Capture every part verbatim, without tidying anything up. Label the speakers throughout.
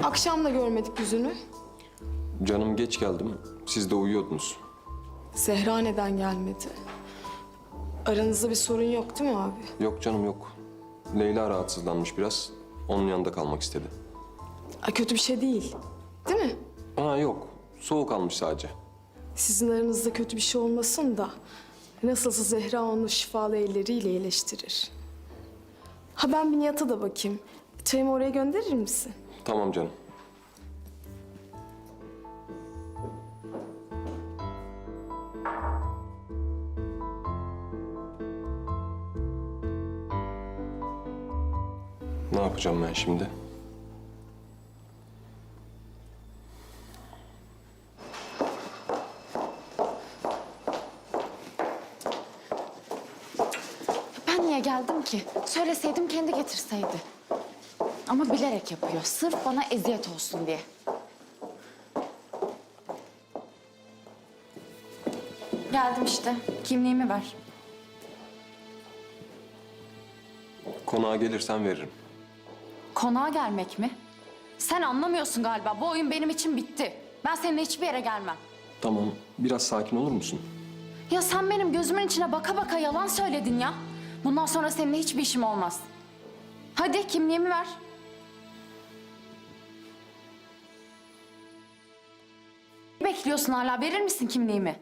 Speaker 1: Akşam da görmedik yüzünü.
Speaker 2: Canım geç geldim. Siz de uyuyordunuz.
Speaker 1: Zehra neden gelmedi? Aranızda bir sorun yok değil mi abi?
Speaker 2: Yok canım yok. Leyla rahatsızlanmış biraz. Onun yanında kalmak istedi.
Speaker 1: Ay, kötü bir şey değil. Değil mi?
Speaker 2: Ha yok. Soğuk almış sadece.
Speaker 1: Sizin aranızda kötü bir şey olmasın da nasılsa Zehra onu şifalı elleriyle iyileştirir. Ha ben bir Nihat'a da bakayım. Çayımı oraya gönderir misin?
Speaker 2: Tamam canım. Ne yapacağım ben şimdi?
Speaker 3: Ben niye geldim ki? Söyleseydim kendi getirseydi. Ama bilerek yapıyor. Sırf bana eziyet olsun diye. Geldim işte. Kimliğimi ver.
Speaker 2: Konağa gelirsen veririm.
Speaker 3: Konağa gelmek mi? Sen anlamıyorsun galiba. Bu oyun benim için bitti. Ben seninle hiçbir yere gelmem.
Speaker 2: Tamam. Biraz sakin olur musun?
Speaker 3: Ya sen benim gözümün içine baka baka yalan söyledin ya. Bundan sonra seninle hiçbir işim olmaz. Hadi kimliğimi ver. Ne bekliyorsun hala? Verir misin kimliğimi?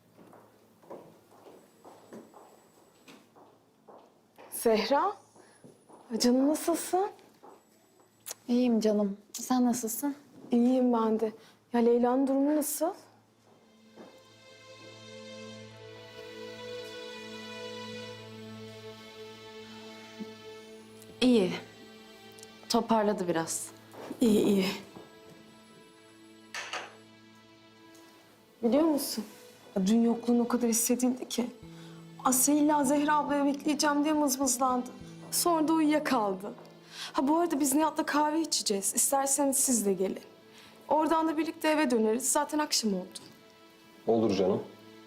Speaker 1: Zehra, canım nasılsın?
Speaker 3: İyiyim canım. Sen nasılsın?
Speaker 1: İyiyim ben de. Ya Leyla'nın durumu nasıl?
Speaker 3: İyi. Toparladı biraz.
Speaker 1: İyi iyi. Biliyor musun? Ya dün yokluğun o kadar hissedildi ki. Asya illa Zehra ablaya bekleyeceğim diye mızmızlandı. Sonra da uyuyakaldı. Ha bu arada biz Nihat'la kahve içeceğiz. İsterseniz siz de gelin. Oradan da birlikte eve döneriz. Zaten akşam oldu.
Speaker 2: Olur canım.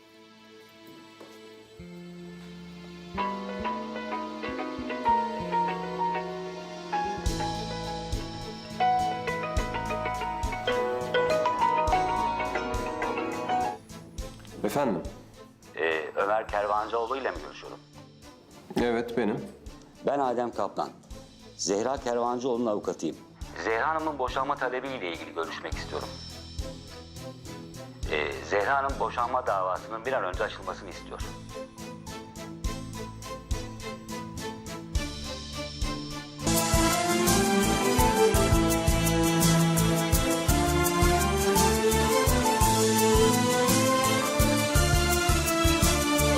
Speaker 2: Efendim?
Speaker 4: Ee, Ömer Kervancıoğlu ile mi görüşüyorum?
Speaker 2: Evet benim.
Speaker 4: Ben Adem Kaplan. Zehra Kervancıoğlu'nun avukatıyım. Zehra Hanım'ın boşanma talebiyle ilgili görüşmek istiyorum. Ee, Zehra Hanım boşanma davasının bir an önce açılmasını istiyor.